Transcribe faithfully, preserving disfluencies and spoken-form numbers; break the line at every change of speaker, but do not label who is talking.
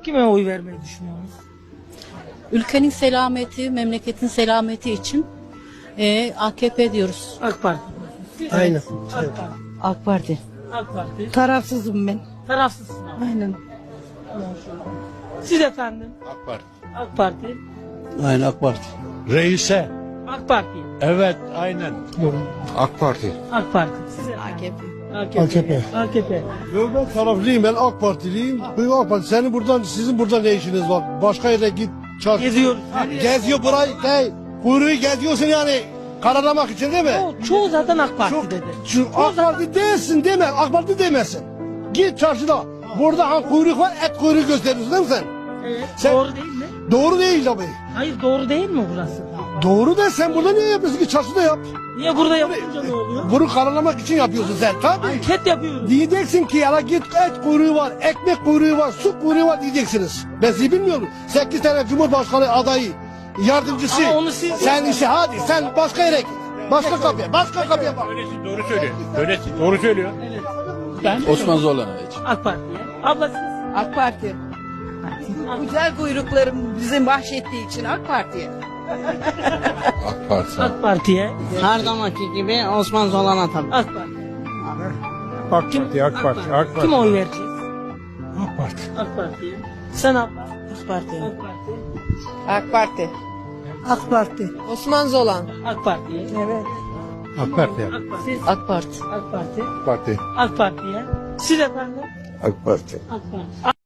Kime oy vermeyi düşünüyorsunuz?
Ülkenin selameti, memleketin selameti için e, A K P diyoruz.
AK Parti.
Aynen.
AK Parti.
AK Parti.
AK Parti.
Tarafsızım ben.
Tarafsızsın abi.
Aynen.
Siz efendim?
AK Parti.
AK Parti.
Aynen AK Parti.
Reise.
AK Parti.
Evet, aynen. AK Parti.
AK Parti. Siz efendim?
A K P.
A K P. A K P.
Yok ben taraflıyım, ben AK Partiliyim. Ben AK Parti. Senin buradan, sizin burada ne işiniz var? Başka yere git, çarşı.
Geziyoruz.
Geziyor burayı, hey, kuyruğu geziyorsun yani. Karalamak için değil mi?
Çoğu, çoğu zaten AK Parti
Çok-
dedi.
Şu AK Parti değilsin deme, AK Parti demesin. Git çarşıda. Burada ha kuyruk var, et kuyruğu gösteriyorsun değil mi sen?
Evet.
Sen-
Doğru değil mi?
Doğru değil tabii.
Hayır doğru değil mi burası?
Doğru da sen burada niye yapıyorsun ki çarşıda yap?
Niye burada yapınca ne oluyor?
Bunu karalamak için yapıyorsun sen tabii.
Anket yapıyoruz.
Diyeceksin ki ya git et kuyruğu var, ekmek kuyruğu var, su kuyruğu var diyeceksiniz. Ben sizi bilmiyorum. Sekiz tane Cumhurbaşkanı adayı, yardımcısı.
Ama onu siz-
Sen işi hadi sen başka yere git. Başka kapıya, başka kapıya bak.
Öylesin, doğru söylüyor. Öylesin, doğru söylüyor.
Evet. Ben
Osman Zolan'a için.
AK Parti'ye. Abla siz?
AK Parti. Güzel kuyruklarım bizim bahşettiği için AK Parti'ye.
AK Parti.
AK Parti'ye.
Her zamanki gibi Osman Zolan'a tabii.
AK Parti.
AK
Kim?
Parti, AK Parti, AK Parti.
Kim oy vereceğiz?
AK Parti.
AK Parti'ye. Sen abla?
AK Parti.
AK Parti.
AK Parti.
AK Parti.
Osman Zolan.
AK Parti'ye.
Evet.
AK Parti.
AK Parti. Siz?
AK Parti.
AK Parti.
Parti.
AK Parti'ye. Siz efendim?
AK Parti.
AK Parti.